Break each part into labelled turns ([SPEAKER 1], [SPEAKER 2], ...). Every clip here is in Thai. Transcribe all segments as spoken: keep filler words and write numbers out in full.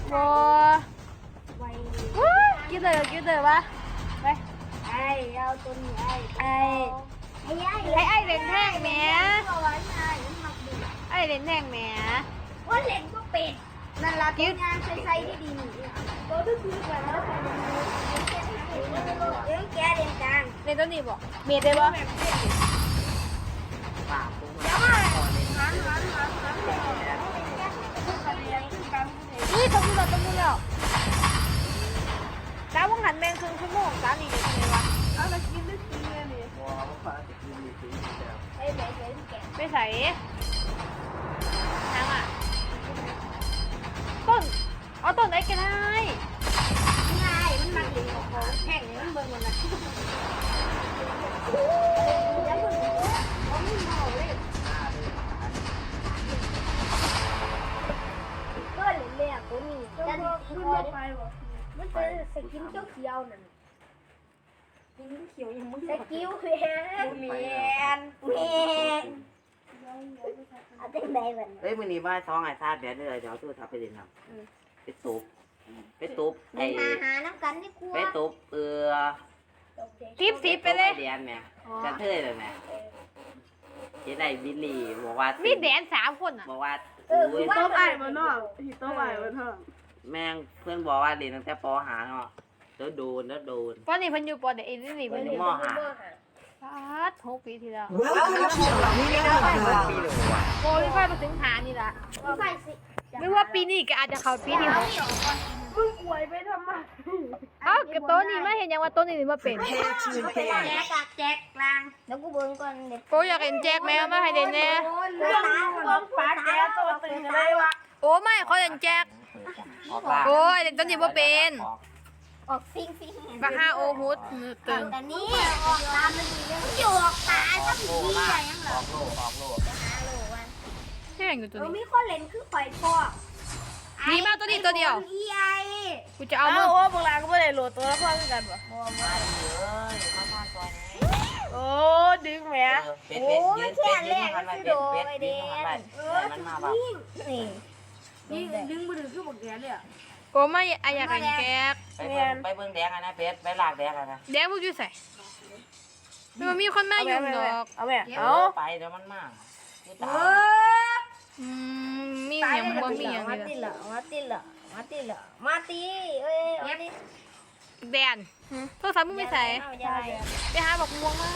[SPEAKER 1] โว้กินเลยกินเลยวะไปไอ้เอาตัวนี้ไอ้ไอ้ไอ้ไอ้เล่นแท่งแหมไอ้เล่นแท่งแหม
[SPEAKER 2] ว่าเล่นก็เป็ดนั่นละตัวงานใส่ๆที่ดีหนูตัวที่ซื้อไปแล้วเดี๋ยวแกเล่นกลาง
[SPEAKER 1] เล่นตัวนี้บ่เมียได้บ่นี่ต้องดูเราต้องดูแล้วจ้าวงหันแมงครึ่งชั่วโมงจ้านี่เดี๋ยวไงวะเอามากินได้กินเลยนี่ไปใส่ไปใส่ทางอ่ะต้นเอาต้นไหนกันได้
[SPEAKER 2] ง่ายมันมาดีของเขาแข่งมันเบิ่งมันนะก็เล่นเลยอ่ะตัวนี้ดันขึ้นมาไปบ่มันเป็นสกินเขียวๆนั่นสกินเขียวยังมึงสกิลแมนแมนเอาเต็มใบมัน
[SPEAKER 3] เฮ้ยมื้อนี้ว่าท้องไอ้ซาดเดี๋ยวเดี๋ยวเดี๋ยวตู้ทับไปเล่นน้ำไปตุบไปตุบไอ้
[SPEAKER 2] หาหาน้ำกันนี่กลัว
[SPEAKER 3] ไปตุบเออ
[SPEAKER 1] ทิปสิบไปเลย
[SPEAKER 3] เดียนแม่จะเท่เลยแม่เจ๊ได้บิลลี่บอกว่า
[SPEAKER 1] มีแดนสามคนอ่ะ
[SPEAKER 3] บอกว่า
[SPEAKER 2] เออคือ
[SPEAKER 4] โต๊ะไอ้มันนอกที่โต๊ะไอ้มันเถอะ
[SPEAKER 3] แม่งเพื่อนบอกว่าเรียนตั้งแต่ปหาเนาะแล้วโดนแล้วโดน
[SPEAKER 1] ปอนี่เพิ่นอยู่ปอเด็กนี่นี่เพิ่นอยู่
[SPEAKER 3] มหา
[SPEAKER 1] พัดหกปีที่แล้ว
[SPEAKER 3] ปีหนึ่งว่ะ
[SPEAKER 1] โอ้ยไฟมาถึงหานี่ละไม่ว่าปีนี้ก็อาจจะเข้าปีที่หก
[SPEAKER 4] มึงป่วยไปทำไม
[SPEAKER 1] เอ้ากับโต๊ะนี่มาเห็นยังว่าโต๊ะนี่มาเป็น
[SPEAKER 2] แจกกากแจกกลางแล้วกูเบิ่งก่อนเด็ก
[SPEAKER 1] โอ้อยากเห็นแจ็คแมวมาให้เด่นแน่
[SPEAKER 4] ต้องปาแกตัวตื่นอะไรวะ
[SPEAKER 1] โอ้ไม่เขาเห็นแจ็คโอ้ยเด่นต้นนี้ว่าเป็น
[SPEAKER 2] ออกฟิงฟิง
[SPEAKER 1] บักห้าโอฮุดเกิน
[SPEAKER 2] แต่นี่ออกตามมันดีเลยมันอยู่ออกตาก็ผีอะไรยังเหรอ
[SPEAKER 3] ออกโลออกโล
[SPEAKER 2] หาโลวัน
[SPEAKER 1] แค่อยู่ตัวนี้
[SPEAKER 2] มีคนเล่นคือข่อยพ่อ
[SPEAKER 1] มีมาตัวนี้ตัวเดียว
[SPEAKER 2] อีไอ
[SPEAKER 1] กูจะเอา
[SPEAKER 4] เอาโอ้พวกเราก็ไม่ได้โหลดตัวละครกันปะ
[SPEAKER 3] มาเลยมาทอนตัวนี้
[SPEAKER 4] โอ้ดึงแหม
[SPEAKER 3] โอ้มันแค่แรกมันคือโดไอเดนเออมันมาแบบ
[SPEAKER 2] นี่
[SPEAKER 4] นี่ดึงมือถือคือบอกแกเลยอ่ะ
[SPEAKER 1] โอ้ไม่ไออยากเห็นแจ็ค
[SPEAKER 3] ไปเบิ่งไปเบิ่งแดงนะเพชรไปลากแดงนะ
[SPEAKER 1] แดงพวกยูใส่มันมีคนมาอยู่ดอก
[SPEAKER 4] เอาแม่เอา
[SPEAKER 3] ไปเดี๋ยวมันมา
[SPEAKER 2] เออ
[SPEAKER 1] อืมมีอย่างบ่มีอย่าง
[SPEAKER 2] มาตีละมาตีละมาตีละมาตีเอ้ยมาตี
[SPEAKER 1] แดนโทรศัพท์มึงไม่ใส่ไปหาบอกม่วงมา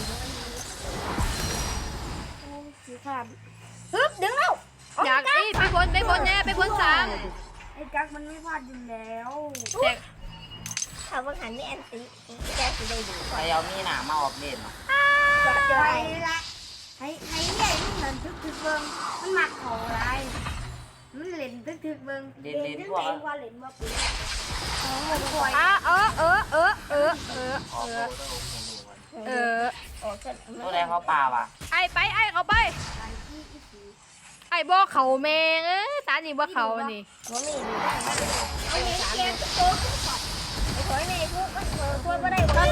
[SPEAKER 4] สีขาด
[SPEAKER 2] ฮึบดึงแล้ว
[SPEAKER 1] อยากอีไปบนไปบนแน่ไปบนสาม
[SPEAKER 4] ไอ้กั๊กมันไม่พลาดอยู่แล้ว
[SPEAKER 1] แจ็ค
[SPEAKER 2] เขาบังหันนี่แอนตี้แกสิได้ดู
[SPEAKER 3] ไปเอามีหนามาออกเล่นอ่ะ
[SPEAKER 2] ไปละให้ให้ใหญ่มันนั่นทึกทึกเบิ้งมันหมักเขาอะไรมันเล่นทึกทึกเบิ้ง
[SPEAKER 3] เล่นเล่นพวก
[SPEAKER 2] ว่าเล่นว่าปุ๋ย
[SPEAKER 1] อ่ะเออเออเออเออเออเออเออ
[SPEAKER 3] ตัวแดงเขาป่าว่ะ
[SPEAKER 1] ไอไปไอเขาไปไอบ่เขาแมงเอ้ยตานี่บ่เขานี่
[SPEAKER 2] ว่ามีดีได้ไอ้เกมโตขึ้นก่อนไอ้ถอยในพวกมันเออพวกก็ได้บ่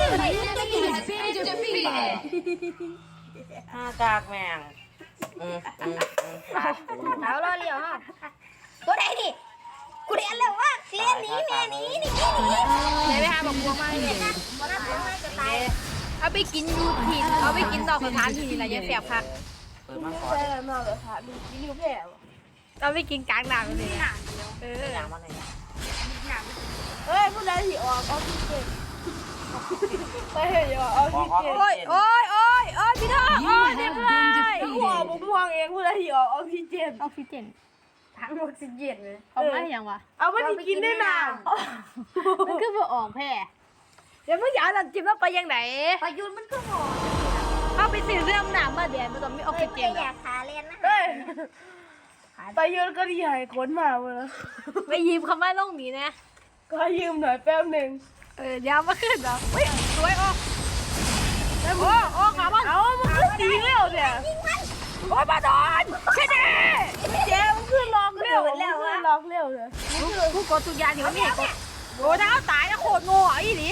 [SPEAKER 3] ได้ห้ากากแมงอืมอืมอืม
[SPEAKER 2] เท้ารอเลี้ยวฮะตัวไหนดิกูเรียนแล้วว่าเรียนนี้แม่นี้นี่นี่
[SPEAKER 1] ไหนไปหาบอกบัวมาเลย
[SPEAKER 2] มันน่าจะไม่จะตาย
[SPEAKER 1] เอาไปกินยูทินเอาไปกินดอกกระถางที่นี่แหละยังแสบคัก
[SPEAKER 3] เปิดมาก่อน
[SPEAKER 4] ใช่แล้วนอกเลยค่ะดูนิ้วแผล
[SPEAKER 1] เอาไปกินกลางหนังเลยเออ
[SPEAKER 3] อย่างมันเลย
[SPEAKER 4] เฮ้ยผู้ใดที่ออกออกซิเจนไปเห็นอยู่ออกซิเจน
[SPEAKER 1] โอ้ยโอ้ยโอ้ยโอ้ยพี่ทองโอ้ยเด็กเลย
[SPEAKER 4] หัวผมม่วงเองผู้ใดที่ออกออกซิเจน
[SPEAKER 1] ออกซิเจน
[SPEAKER 2] ทั้งออกซิเจนเลย
[SPEAKER 1] เอาไม่ยังวะ
[SPEAKER 4] เอาไม่กินได้นาน
[SPEAKER 1] มันคือเพื่อออกแพ้เดี๋ยวมึงอยากหลังจิ้มแล้วไปยังไหน
[SPEAKER 2] ประยุทธ์มันก็หอ
[SPEAKER 1] เอาไปสื่อเรื่องหนามมาเดี๋ยวมันต้องมีออกซิเจน
[SPEAKER 2] อยากขาเล่นนะ
[SPEAKER 4] เฮ้ยไปยืนก็ดีหายคนมาเลย
[SPEAKER 1] ไปยืมคำว่าล่องนี้นะ
[SPEAKER 4] ก็ยืมหน่อยแป๊บหนึ่ง
[SPEAKER 1] เออเดี๋ยวมาขึ้นเหรอเฮ้ยสวยออกโอ้โอ้ขาบ้าน
[SPEAKER 4] เอามันขึ้นดีแล้วเนี่ย
[SPEAKER 1] โอ้ยมาโดนใช่ไหม
[SPEAKER 4] เจ๊มันขึ้นล็อกเร็วแล้วขึ้นล็อกเร็วเลย
[SPEAKER 1] ผู้กดตุกยาเดี๋ยวนี่กดโอ้ถ้าตายแล้วโคตรโง่อีหลี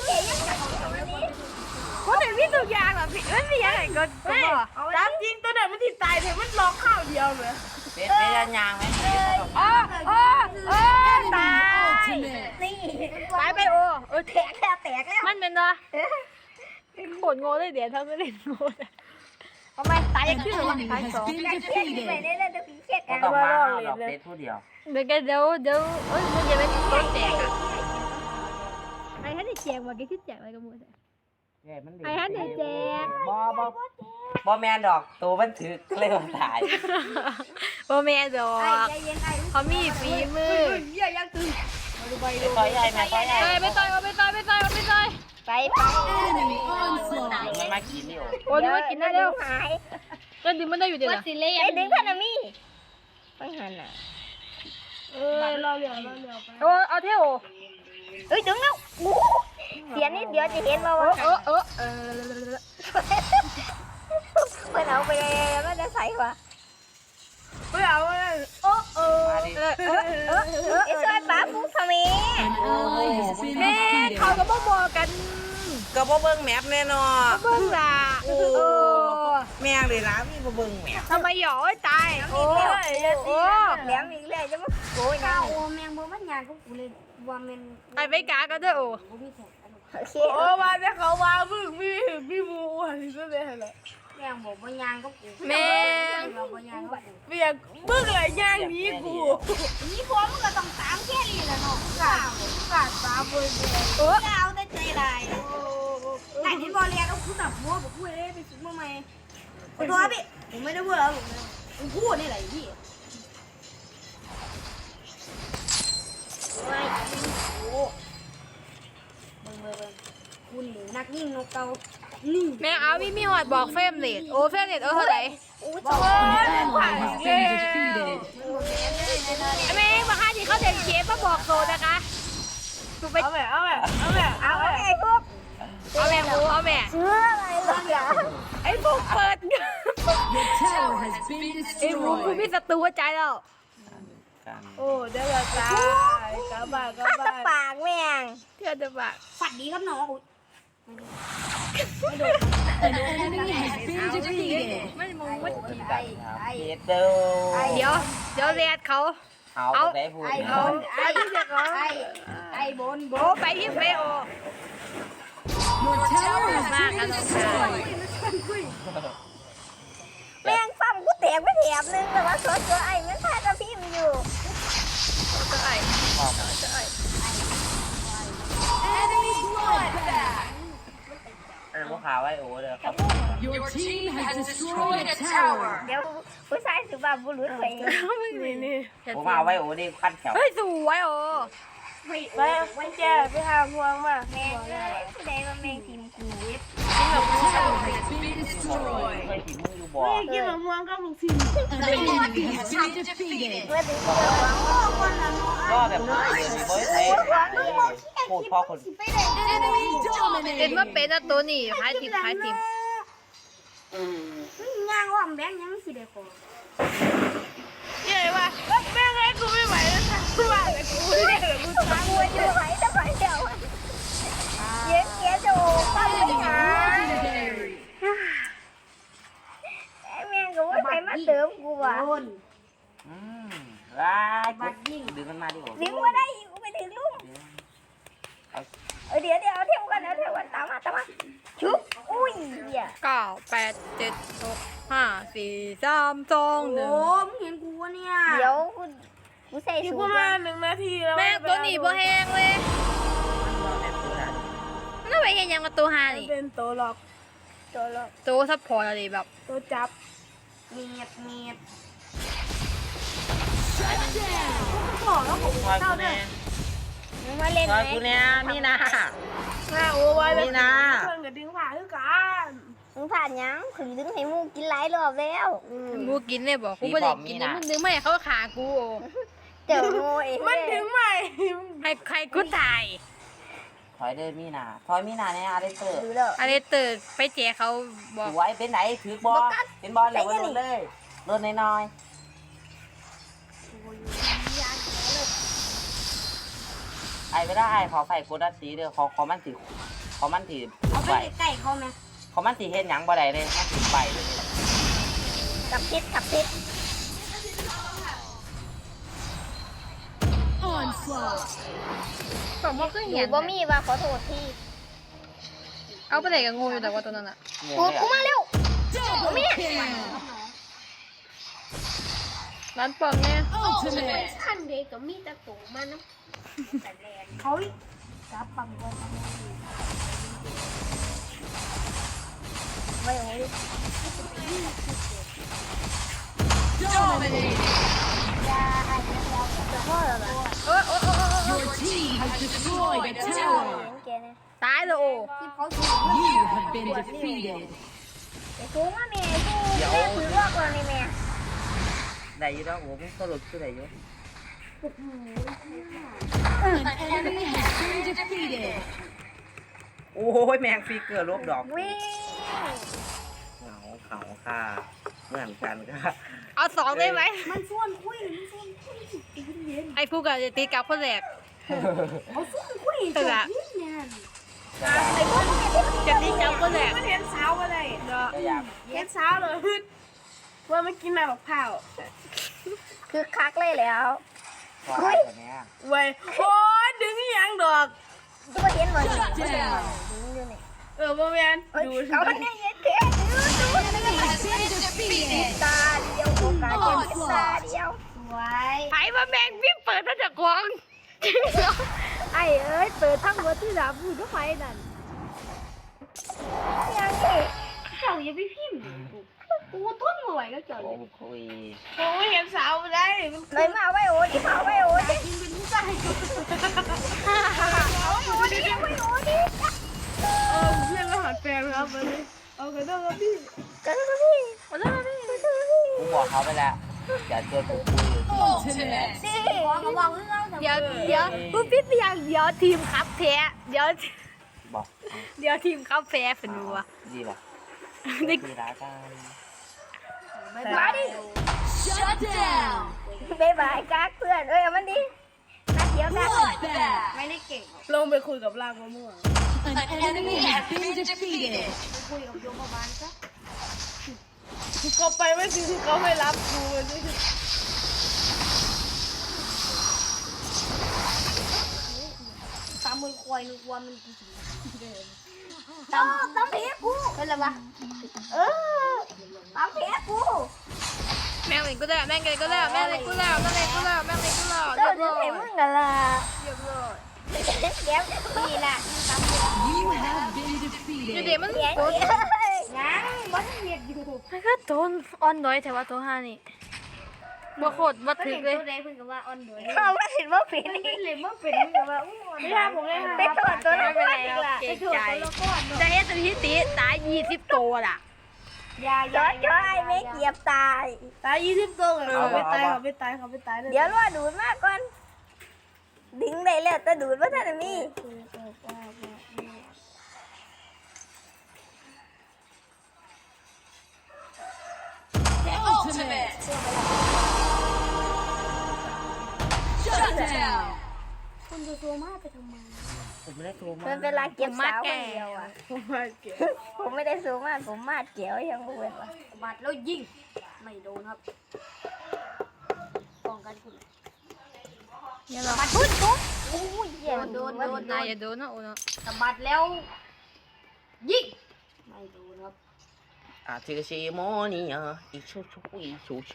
[SPEAKER 1] ก็แต่พี่ตุกยาแบบพี่ไม่มีอะไรก็ก็
[SPEAKER 4] ตามจริงตัวไหนมันติดตายเลยมันล็อกข้าวเดียวเลย
[SPEAKER 3] เป็นเป็นยางไหม
[SPEAKER 1] โอ้โอ้โอ้ตาอ
[SPEAKER 2] แตกแล้วแตกแล้ว
[SPEAKER 1] มันเป็นวะโคตรโง่เลยเดี๋ยวทำไม่เล่นโง่เลยทำไมตายยังชื่อวะตายสอง
[SPEAKER 2] อยากเครียดที่ไปได้เลยเดี๋ยวพี่เครียด
[SPEAKER 3] ก็
[SPEAKER 2] กัน
[SPEAKER 3] ต้องมาเอาดอกเด็ดผู้เดียว
[SPEAKER 1] เดี๋ยวกันเดี๋ยวเดี๋ยวเอ้ยมันจะเป็นต้นแจกอะไอ้ฮันได้แจกมาแกคิดแจกอะไรกันหมดอะ ไอ้ฮันเดี๋ยวแจก
[SPEAKER 3] บอบอบอแมนดอกตัวมันถือเลยว่าตาย
[SPEAKER 1] โอแม่ดอ
[SPEAKER 2] ไอ้
[SPEAKER 1] ก
[SPEAKER 2] ใจเย็นไอ้
[SPEAKER 1] เขามีฝีมือ
[SPEAKER 4] เหี้ยยังตึง
[SPEAKER 3] ไปต่อยใหญ่แม่ต่อยใหญ่
[SPEAKER 1] ไปไปต่อยเอาไปต่อยไปต่อยเอาไปต่อย
[SPEAKER 2] ไปไป
[SPEAKER 3] มันมากินนี่โอ้
[SPEAKER 1] โอ้ยมากินได้เร็ว
[SPEAKER 2] หาย
[SPEAKER 1] ก็ดึงมันได้อยู่เดี๋ยวนะ
[SPEAKER 2] ไอ้ดึงพันนามีไปหันอ่ะ
[SPEAKER 4] เออรอเหลือรอเหลือไป
[SPEAKER 1] โอ้เอาเท่า
[SPEAKER 2] เอ้ยดึงแล้วเสียนิดเดียวจะเห็นว่าว่า
[SPEAKER 1] เออเออเออ
[SPEAKER 2] เพื่อนเอาไปแล้วจะใส่วะ
[SPEAKER 4] ไม่เอาเลยโอ้เออ
[SPEAKER 3] มาดิ
[SPEAKER 1] เออเออเออเออ
[SPEAKER 2] ไอ้ซอยป้าฟูทำไม
[SPEAKER 1] แม่เขาก็บ่บอกกัน
[SPEAKER 3] ก็บ่เบิ่งแมพแน่นอน
[SPEAKER 1] เบิ่งล่ะโอ้
[SPEAKER 3] แม่งเลยนะมีบ่เบิ่งแมพ
[SPEAKER 1] ทำไมหยอตายโอ้โอ้
[SPEAKER 2] แหลมอีกแล้วจะมาโอ้ยนะโอ้แมงบ่มันยางก็กูเลยว่ามัน
[SPEAKER 1] ไปไปกากันด้วยโอ้
[SPEAKER 2] โอเค
[SPEAKER 4] โอ้มาแต่เขาว่ามึงมีมีมูอันนี้ก็เลยเหรอ
[SPEAKER 2] แมงบ่บ่ยางก็กู
[SPEAKER 1] แม่
[SPEAKER 2] บ่ยางก็กู
[SPEAKER 4] เบียกมึงอะไรย่างนี้กู
[SPEAKER 2] นี่พอมึงก็ต้องตามแค่นี้แหละเนาะกาดกาดตามบ่ได้
[SPEAKER 1] โอ้
[SPEAKER 2] เอาแต่ใจลายไหนที่บ่เรียนเอากูตับหัวบ่กูเอ้ไปซื้อมาใหม่ขอโทษพี่ผมไม่ได้เบื่อแล้วผมพูดนี่แหละพี่ไม่โอ้เบิ่งเบิ่งเบิ่งกูนี่นักยิงนกเกานี่
[SPEAKER 1] แม่เอามีมีหอดบอกเฟรมเรทโอ้เฟรมเรทเออเท่าไหร่
[SPEAKER 2] อู้
[SPEAKER 4] โอ้
[SPEAKER 2] จ้าย
[SPEAKER 4] ผ่านเย้
[SPEAKER 1] แม่มาห้าที่เขาเด่นเชฟมาบอกโซนะคะถูกไป
[SPEAKER 4] เอาแบบเอาแบบเอาแบบ
[SPEAKER 2] เอา
[SPEAKER 4] เอาแบบ
[SPEAKER 2] ไอ้พวก
[SPEAKER 1] เอาแม่หมูเอาแม่
[SPEAKER 2] เชื่ออะไรล่ะอย่า
[SPEAKER 1] ไอ้พวกเปิดไอ้หมูกูมีศัตรูหัวใจแล้ว
[SPEAKER 3] กัน
[SPEAKER 4] โอ้เดี๋ยวเราตายกลับบ้านกลับ
[SPEAKER 2] ข้าตะ
[SPEAKER 4] บ้าน
[SPEAKER 2] ปากแม่ง
[SPEAKER 1] เพื่อนจะบอก
[SPEAKER 2] ฝันดีครับน้อง
[SPEAKER 1] ไม่มองว่า
[SPEAKER 3] ไอ้ไอ้เด้อ
[SPEAKER 1] เดี๋ยวเดี๋ยวเรียดเขา
[SPEAKER 3] เอาได้พูด
[SPEAKER 2] ไอ้บ
[SPEAKER 3] เอา
[SPEAKER 2] นไอ้ไอ้ไอ้บนบ
[SPEAKER 1] โอ้
[SPEAKER 2] น
[SPEAKER 1] ไปที่เฟโอมากกันน้องชาย
[SPEAKER 2] แม่งฟั่มกูแตกไปแถบนึงแต่ว่าสดตัวไอ้มันพากระพริบอยู่
[SPEAKER 1] จะไอ้
[SPEAKER 3] เออพวกขาไว้โอ้เด้อครับ
[SPEAKER 5] Your team has destroyed a tower.
[SPEAKER 2] เดี๋ยวผู้ชายสุภาพบุรุษไป
[SPEAKER 1] นี่นี่
[SPEAKER 3] ผมมาไว้โอ้ดิขั้นแถว
[SPEAKER 1] เฮ้ยสวยโอ้
[SPEAKER 4] ไปไปแจ้ไปหาพวงมา
[SPEAKER 2] แม่งเลยผู้ใดว่าแม่งทีมกูเว็บ
[SPEAKER 5] Tower has been destroyed.
[SPEAKER 3] เคยกินมึงอยู่บ่
[SPEAKER 4] ไม่กินมะม่วงกับลูกชิ้น
[SPEAKER 5] An enemy has been defeated.
[SPEAKER 2] เมื่อถึงเมื่อวางคนละน้อง
[SPEAKER 3] ก็แบบเฮ้ยเฮ้ยโคตรพ่อคน
[SPEAKER 5] Enemy
[SPEAKER 1] เป็นว่า
[SPEAKER 5] dominating.
[SPEAKER 1] เป็นอะตัวนี่พายทีมพายทีม
[SPEAKER 2] ย่างว่าแบงยังสิได้คน
[SPEAKER 4] ใหญ่ว่ะแม่งไอ้กูไม่ไหวแล้วค่ะกูว่าแต่กูเนี่ยเหรอกู
[SPEAKER 2] ทางวัวอยู่ไหนจะไปเดี๋ยวเย็นเกี้ยจะโอ้ป้าเลยหา
[SPEAKER 5] Legendary.
[SPEAKER 2] แม่งก็ว่าใครมาเติมกูวะ
[SPEAKER 3] อืมว้ายดึงมันมาดิโอ้
[SPEAKER 2] ดึงว่าได้กูไปถึงลุงเออเดี๋ยวเดี๋ยวเอาเที่ยวกันเอาเที่ยวกันตามมาตามมาชุบอุ้ยเหี้ย
[SPEAKER 1] เก้าแปดเจ็ดหกห้าสี่สามสองหนึ่ง
[SPEAKER 2] มึงเห็นกูวะเนี่ยเดี๋ยวกูกูใส่
[SPEAKER 4] อีก
[SPEAKER 2] สู
[SPEAKER 4] ป
[SPEAKER 2] ท
[SPEAKER 4] ระมาณหนึ่งนาทีแล้ว
[SPEAKER 1] แม่งตัวนี้บ่แห้งเลยมันเอาไปเห็นยังกับตัวฮานี่
[SPEAKER 4] เป็นตัวหลอก
[SPEAKER 2] ตัวละ
[SPEAKER 1] ตัวซัพพอร์ตอะไรแบบ
[SPEAKER 4] ตัวจับ
[SPEAKER 2] เมียดเมียด
[SPEAKER 4] บอกแล้วผม
[SPEAKER 3] ซอยกูแน่
[SPEAKER 2] มึงมาเล่น
[SPEAKER 3] ซ
[SPEAKER 2] ไหม
[SPEAKER 3] อยกูแน่นี่นะ
[SPEAKER 4] แม่โอ้ยแล้ว
[SPEAKER 3] นี่นะ
[SPEAKER 4] เพื่อนกับดึงผ่าคือกัน
[SPEAKER 2] มึงผ่านยังถึงดึงให้มูกินหลายรอบแล้ว
[SPEAKER 1] กูกินเลยบอกกูไม่ได้กินนะมึงนึกไม่ให้เขาขากูโอ้
[SPEAKER 2] เจ้าโง่เอง
[SPEAKER 4] มันถึงไหม
[SPEAKER 1] ให้ใครกูตาย
[SPEAKER 3] ถอยเดินมีนาถอยมีนาเนี่ยอะไรเตอร์
[SPEAKER 2] ดูแล้ว
[SPEAKER 1] อะไรเติร์ดไปแจกเขาบอก
[SPEAKER 3] สวยเป็นไหนถือบอลเป็นบอลเหลวโดนเลยโดนน้อยไอ้ไม่ได้ขอไฟโกดัสสีเด้อขอขอมันถือขอมันถือ
[SPEAKER 2] เอาไป
[SPEAKER 3] ใบ
[SPEAKER 2] ใกล้เขาไหม
[SPEAKER 3] ขอมันถือเห็นหยังบ่ได้เลยมันถือใบเลย
[SPEAKER 2] กับพิษกับพิษ
[SPEAKER 5] Onslaught.
[SPEAKER 1] ไปผมว่าเคย
[SPEAKER 2] ห
[SPEAKER 1] เห็
[SPEAKER 2] นู
[SPEAKER 1] น
[SPEAKER 2] บ่มีว่าขอโทษที
[SPEAKER 1] เอาไปไหนกับงูอยู่แต่ว่าตัวนั้นอะ
[SPEAKER 2] กูกูมาเร็ว
[SPEAKER 5] Double kill.
[SPEAKER 1] ร้านปองเนี่ย
[SPEAKER 5] Ultimate.
[SPEAKER 2] ท่านเด็กก็มีแต่ตูมันนะแต่แรงเขาจับปังบอลไม่โอ้ย
[SPEAKER 5] Dominating.
[SPEAKER 2] ยาอันนี้เราจะพ่อแล้วล่ะ
[SPEAKER 1] โอ้โอ้โอ้โอ้
[SPEAKER 5] Your team has destroyed a tower.
[SPEAKER 2] แกเนี่ย
[SPEAKER 1] ตายเลยโอ้
[SPEAKER 2] ที่เขาถูก
[SPEAKER 5] You have been defeated.
[SPEAKER 2] ไอ้กูมาแม่กูแม่ถือรอกเราในแม่
[SPEAKER 3] ได้อยู่แล้วโอ้มึงก็หลุดคือได้อยู่
[SPEAKER 5] An enemy has been defeated.
[SPEAKER 3] โอ้ยแมงฟิกเกอร์ลบดอก
[SPEAKER 2] วิ่ง
[SPEAKER 3] เหงาเขาค่ะเหมือนกันค่ะ
[SPEAKER 1] เอาสองได้ไหม
[SPEAKER 2] มันส่วนคุยมันส่วนคุยสิตีเย็น
[SPEAKER 1] ไอ้ฟูกับจะตีกับคนแรก
[SPEAKER 2] เอาส่วนคุยจบนี่เนี่ย
[SPEAKER 1] ไอ้ฟูจะตีกับคนแรก
[SPEAKER 4] มันเห็นสาวอะไร
[SPEAKER 1] เนาะ
[SPEAKER 3] ก็อยาก
[SPEAKER 4] เห็นสาวเลยฮึดว่าไม่กินน้ำมะพร้าว
[SPEAKER 2] คือคักเลยแล้ว
[SPEAKER 3] พอได้ตัวเนี้ย
[SPEAKER 4] เว้ยโอ้ยดึงอีหยังดอก
[SPEAKER 2] ตัวเห็นหมด
[SPEAKER 5] Shut down.
[SPEAKER 4] เออบ่แม่นดูสิ
[SPEAKER 2] เขาเนี่ยเย็นแค่ดูดู
[SPEAKER 5] Has been defeated.
[SPEAKER 2] ตาเดียวโอกาสเป็นตาเดียวสวย
[SPEAKER 1] ไอ้มาแมงพี่เปิดตั้งแต่กวางไอ้เอ้ยเปิดทั้งหมดที่สามพูดก็ไปนั่น
[SPEAKER 2] ยังนี่
[SPEAKER 1] เขาอย่าไปพิมพ์กูทุ่นหน่วยก็เจอ
[SPEAKER 3] โอ้คุย
[SPEAKER 4] โอ้ยเห็นสาวบ่ได้มัน
[SPEAKER 2] เลยมาไว้โอ้ดิมาไว้โอ้ดิ
[SPEAKER 4] กินเป็นผู้ชาย
[SPEAKER 2] โอ้ดิไว้โอ้ดิ
[SPEAKER 4] เออเพื่อนมาหาแฟนครับวันนี้เอากระโดดครับพี่
[SPEAKER 2] กันนะพี่
[SPEAKER 1] มาแล้วนี่
[SPEAKER 3] กูบอกเขาไปแล้วอย่าชวนกูคุย
[SPEAKER 5] Ultimate.
[SPEAKER 2] สิขอมาบอกเรื่อง
[SPEAKER 1] เดี๋ยวเดี๋ยวพูดพิษไปยังเดี๋ยวทีมครับแพ้เดี๋ยว
[SPEAKER 3] บอก
[SPEAKER 1] เดี๋ยวทีมครับแพ้เป็นวัว
[SPEAKER 3] ดีป่ะ
[SPEAKER 1] นี่
[SPEAKER 3] ดีร้ายกัน
[SPEAKER 2] มาดิ
[SPEAKER 5] Shut down.
[SPEAKER 2] บายบายกักเพื่อนเอ้ยมันดินัดเดียวกัน
[SPEAKER 5] Bloodbath.
[SPEAKER 2] ไม่ได้เก่ง
[SPEAKER 4] ลงไปคุยกับลากมะม่วง
[SPEAKER 5] An enemy has been defeated.
[SPEAKER 2] คุยกับโยมบาลซะ
[SPEAKER 4] ก็ไปไม่ถึงเขาไม่รับกูนี่
[SPEAKER 2] ตามมือควายนึกว่ามันกี่สิตามตามเพชรกูเป็นไรวะเออตามเพชรกู
[SPEAKER 1] แม่งเลยก็ได้แม่งเลยก็ได้แม่งเลยก็ได้แม่งเลยก็ได้แม่งเลยก็ได้
[SPEAKER 2] เจ้า
[SPEAKER 1] เรียบ
[SPEAKER 2] จะ
[SPEAKER 1] ร้อย
[SPEAKER 2] เห็นมึงกันล่ะ
[SPEAKER 1] เรียบร้อย
[SPEAKER 2] เดี๋ยวนี่ล่ะตามเพชร
[SPEAKER 5] You have been
[SPEAKER 1] เดี๋ยวเดี๋ยว
[SPEAKER 5] defeated.
[SPEAKER 1] มัน
[SPEAKER 2] เดี๋ยว
[SPEAKER 1] โดน
[SPEAKER 2] ยังบ้านเวียดอยู่
[SPEAKER 1] มันก็โดนออนน้อยแต่ว่าตัวห้านี่บ่โคตรบ่ถึกเลย
[SPEAKER 2] เขาไม่เห็นว่าเป็นนี่เห็นว่าเป็นมึงกับว่าอู้
[SPEAKER 4] ไม่ได้ผมเลย
[SPEAKER 2] ไปตรวจตัวละก้อนอีกล่ะ
[SPEAKER 1] เก่งใจจะเฮ็ดสถิติตายยี่สิบตัวล่ะ
[SPEAKER 2] ยาย้อยย้อยไม่เกียบตาย
[SPEAKER 4] ตายยี่สิบตัวเลยเขาไม่ตายเขาไม่ตายเขาไม่ตายเลย
[SPEAKER 2] เดี๋ยวรอดูดมากก่อนดึงได้แล้วแต่ดูดว่าท่านมี
[SPEAKER 5] Ultimate. Shut down.
[SPEAKER 2] คุณจะโซมาไปทำไม
[SPEAKER 3] ผมไม่ได้โทรมา
[SPEAKER 2] มันเป็นลาเก็บสาวคนเดียวอ่ะ
[SPEAKER 4] ผมมาเก็บ
[SPEAKER 2] ผมไม่ได้โซมาผมมาดเกี่ยวยังบ่เว้นว่ะบัดแล้วยิงไม่โดนครับป้องกันคุณ
[SPEAKER 1] อย่าหรอก
[SPEAKER 2] บัดพุ่นปุ๊บอู้ยเหี้ยโดนโดน
[SPEAKER 1] นายอย่าโดนนะโอ้เนาะ
[SPEAKER 2] สะบัดแล้วยิงไม่โดนครับ
[SPEAKER 3] อ่ะ这个是莫尼亚一出出一出去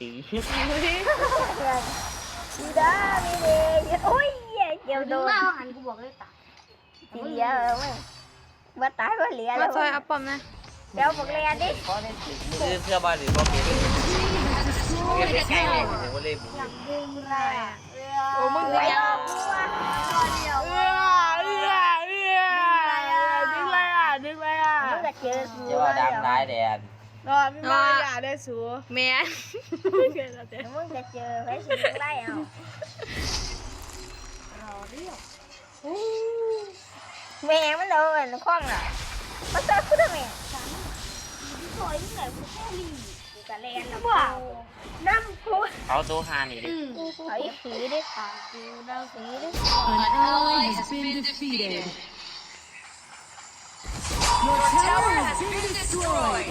[SPEAKER 2] ดีด้ามีเดย์โอ้ยเหี้ยเกี่ยวโดนหันกูบอกเลยตายทีเดียวเออมึงว่าตายว่าเหลือ
[SPEAKER 1] มา
[SPEAKER 2] แล้ว
[SPEAKER 1] ซอยอัปปอมนะ
[SPEAKER 2] เดี๋ยวบอกเลยดิ
[SPEAKER 3] เพราะในถึงมือเสื้อบ้านหรือบ่เปลี่ยน
[SPEAKER 5] Team has
[SPEAKER 3] เปลี่ยน
[SPEAKER 5] destroyed a
[SPEAKER 3] ใกล้เลย
[SPEAKER 5] tower.
[SPEAKER 3] โอ้เลยบุ
[SPEAKER 2] ดึงไรอ่ะ
[SPEAKER 1] โอ้มึง
[SPEAKER 2] ไป
[SPEAKER 1] เลี้ย
[SPEAKER 2] ร
[SPEAKER 1] ง
[SPEAKER 2] อบกูอ่ะรอเดียว
[SPEAKER 4] เอื้อเอื้อเอื้อดึงอะไรอ่ะดึงอะไรอ่ะ
[SPEAKER 2] มึงก็เจอกู
[SPEAKER 3] จะว่าดังร้ายแดน
[SPEAKER 4] นอนไม่มาอย่าได้สู
[SPEAKER 1] แม่
[SPEAKER 2] มึงก็เจอไปสิมึงไล่เอารอเดียวแม่มันโดนคล้องอ่ะมาเจอกูทำไมสวยที่ไหนกูแค่ลีกูกะแลนแล้วว้าวน้ำกู
[SPEAKER 3] เอาตัวฮานี่ดิ
[SPEAKER 2] ไอ้ผีดิกูน้ำผีดิ
[SPEAKER 5] An ally has been defeated. Your tower has been destroyed.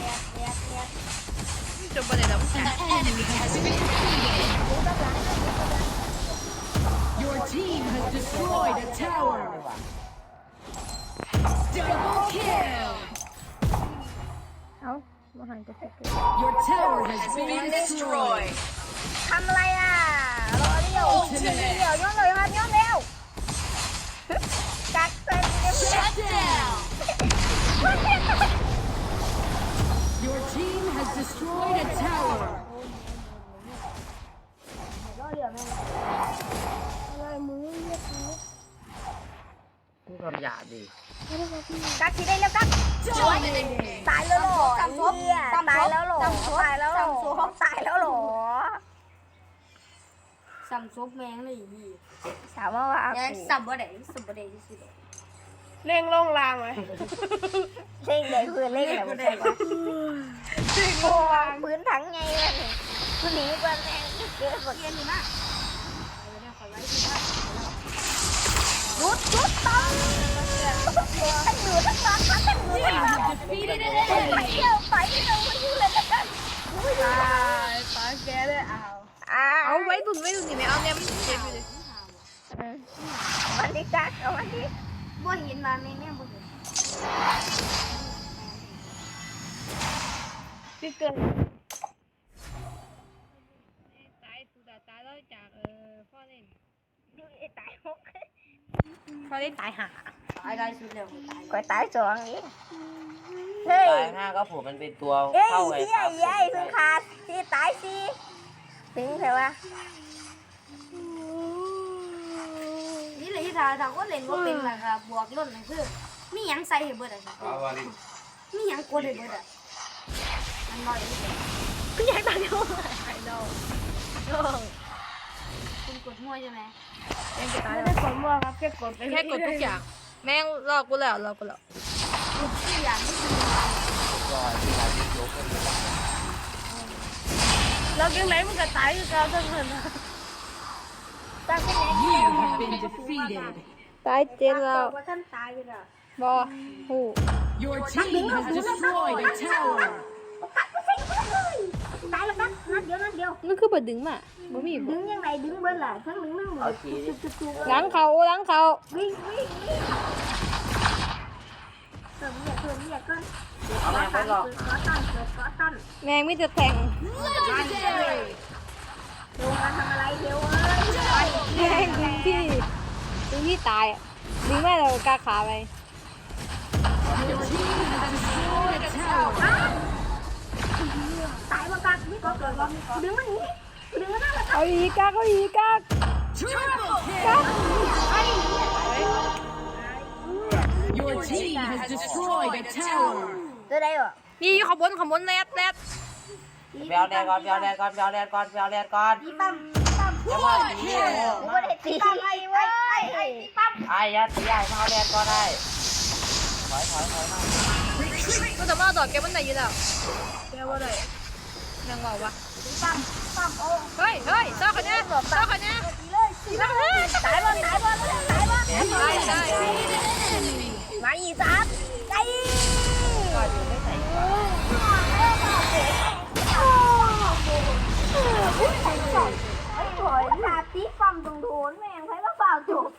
[SPEAKER 1] จบประเด็นแล้ว
[SPEAKER 5] An enemy has been defeated. Your team has destroyed a tower. Double kill.
[SPEAKER 1] เอ้ามาหันก็สิเกิด
[SPEAKER 5] Your tower has been destroyed.
[SPEAKER 2] ทำอะไรอ่ะรอเลี้ยวเลี้ยวย้อนเลยครับย้อนเร็วกัดเป็นเดี๋ยว
[SPEAKER 5] Shut down. Your team has destroyed a tower.
[SPEAKER 2] รอเลี้ยวแม่อะไรมือเรียกเขา
[SPEAKER 3] พูดคำหยาบดิ
[SPEAKER 2] กัดทีได้แล้วกัด
[SPEAKER 5] Dominating.
[SPEAKER 2] ตายแล้วหรอตายแล้วหรอตายแล้วหรอตายแล้วหรอ
[SPEAKER 4] สัมซุปแมงเลยอี
[SPEAKER 2] ถามว่าว่า
[SPEAKER 4] ยังสับบ่ได้สับบ่ได้ที่สุดเร่งลงรางไหม
[SPEAKER 2] เล่งเลยคือเล่งอะไรไม่ใช่ว่าโอ้พื้นถังไงวะเนี่ยคือหนีกว่าแม่งเกิดหมด
[SPEAKER 4] เรียนอยู่นะ
[SPEAKER 2] รุดรุดต้องทั้งหนูทั้งร้านทั้งหนูทั้งร้าน
[SPEAKER 5] Defeated an
[SPEAKER 2] ไป
[SPEAKER 5] enemy.
[SPEAKER 2] เที่ยวไปเที่ยวไปเที่ยวเลยละกัน
[SPEAKER 4] ตายตายแกเลยอ้าว
[SPEAKER 2] อ้า
[SPEAKER 1] เอา
[SPEAKER 2] ว
[SPEAKER 1] ไว้ตุนไว้ตุนนี่ไหมเอาเนี่ยมันเจ็บอยู่เลย
[SPEAKER 2] วันนี้กัดเอาวันนี้
[SPEAKER 4] บ่เห็นมาแม่แม่บ่เห็นพี่เกิด
[SPEAKER 1] ตายสุดาตายแล้วจากเออพ่อเล่น
[SPEAKER 2] ตายหก
[SPEAKER 1] พ่อเล่นตายหา
[SPEAKER 4] ตายได้สุดแล้วตาย
[SPEAKER 2] ก็ตายสองนี้เฮ้ย
[SPEAKER 3] ตายห้าก็ผมมันเป็นตัว
[SPEAKER 2] เอ้ย
[SPEAKER 3] เข้าไง
[SPEAKER 2] เฮ้ย
[SPEAKER 3] ครับ
[SPEAKER 2] เฮ้ยเพิ่งขาดสิตายสิถึงเถอะวะ
[SPEAKER 4] นี่เลยที่ทาทาก็เล่นก็เป็นล่ะครับบวกล้นนั่นคือมีหยังใส่ให้เบิดอ่ะครับมีหยังกดให้เบิดอ่ะมันน้อยนิดเดียว
[SPEAKER 1] ก็อยากตายโดนไอ้ดอกโดน
[SPEAKER 4] คุณกดมั่วใช่ไหม
[SPEAKER 1] แม่งจะตาย
[SPEAKER 4] ไม่
[SPEAKER 1] แล้ว
[SPEAKER 4] ได้กดมั่วครับแค่กดไป
[SPEAKER 1] แค่กดทุกอย่าง แม่งรอกูแล้วรอกูแล้ว
[SPEAKER 4] กดทุกอย่างที่คือ
[SPEAKER 3] ก็ที่หาที่ยกก็มี
[SPEAKER 4] เราจังไหนมันก็ตายคือเราทั้งนั้นนะ
[SPEAKER 2] ตายไปไหน
[SPEAKER 5] You have been defeated.
[SPEAKER 1] ตายเจนแล้ว
[SPEAKER 2] ว่าท่านตายอยู่แล้ว
[SPEAKER 1] บอหู
[SPEAKER 5] Your team has destroyed a tower.
[SPEAKER 2] ตายแล้วครับนัดเดียวนัดเดียว
[SPEAKER 1] มันคือบ่ดึงมาบ่มี
[SPEAKER 2] ดึงยังไงดึงเบิ้ลล่ะทั้งดึงทั้งหม
[SPEAKER 3] เอา
[SPEAKER 2] ด
[SPEAKER 3] ทีดิ
[SPEAKER 1] ล้างเขาล้างเขา
[SPEAKER 2] วิ่งวิ่งวิ่งเติมเนี่ยเติมเนี่ยก่อน
[SPEAKER 3] เอาแม่งไปหลอก
[SPEAKER 2] ขอตั้นเกิดขอตั้น
[SPEAKER 1] แม่งมีแต่แทง
[SPEAKER 5] Legendary.
[SPEAKER 2] ลงมาทำอะไรเดี๋ยวเอ้ย
[SPEAKER 1] แม่งดึงที่ดึงที่ตายอะดึงแม่เรากล้าขาไป
[SPEAKER 5] Your team has destroyed a tower.
[SPEAKER 2] ตายมากัดไม่ก็เกิดว่าดึงมันนี้ดึงมันนั่นแหละ
[SPEAKER 1] เอาอีกกากเอาอีกกาก
[SPEAKER 5] Triple
[SPEAKER 1] กาก
[SPEAKER 5] kill. Your team has destroyed a tower.
[SPEAKER 2] ตัวใดวะ
[SPEAKER 1] นี่ขบวนขบวนแรดแรด
[SPEAKER 3] ไปเอาแดนก่อนไปเอาแดนก่อนไปเอาแดนก่อนไปเอาแดนก่อน
[SPEAKER 2] พี่ปั๊มปั๊ม
[SPEAKER 3] จะมาตี
[SPEAKER 2] กูไม่ได้ตีปั๊มไอ้เว้ยไอ้พี่ปั๊ม
[SPEAKER 3] ไอ้ยัดตีไอ้มาเอาแดนก่อนได้ถอยถอยถอยมา
[SPEAKER 1] ก็จะมาดอดแกมันไหนอยู่แล้วแกว่าไหนยังบอกวะ
[SPEAKER 2] ปั๊มปั๊มโอ้
[SPEAKER 1] เฮ้ยเฮ้ยเจ้าคนนี้เจ้าคนนี้
[SPEAKER 2] ตีเลยตีเลยตายบ่ตายบ่ตายบ่
[SPEAKER 1] ตายตาย
[SPEAKER 2] มาอีสามไอ้
[SPEAKER 3] ก็อยู่ไม่ใส่
[SPEAKER 2] ไอ้หอยขาตีปั๊มตรงโถนแม่งใครมาเปล่าจุก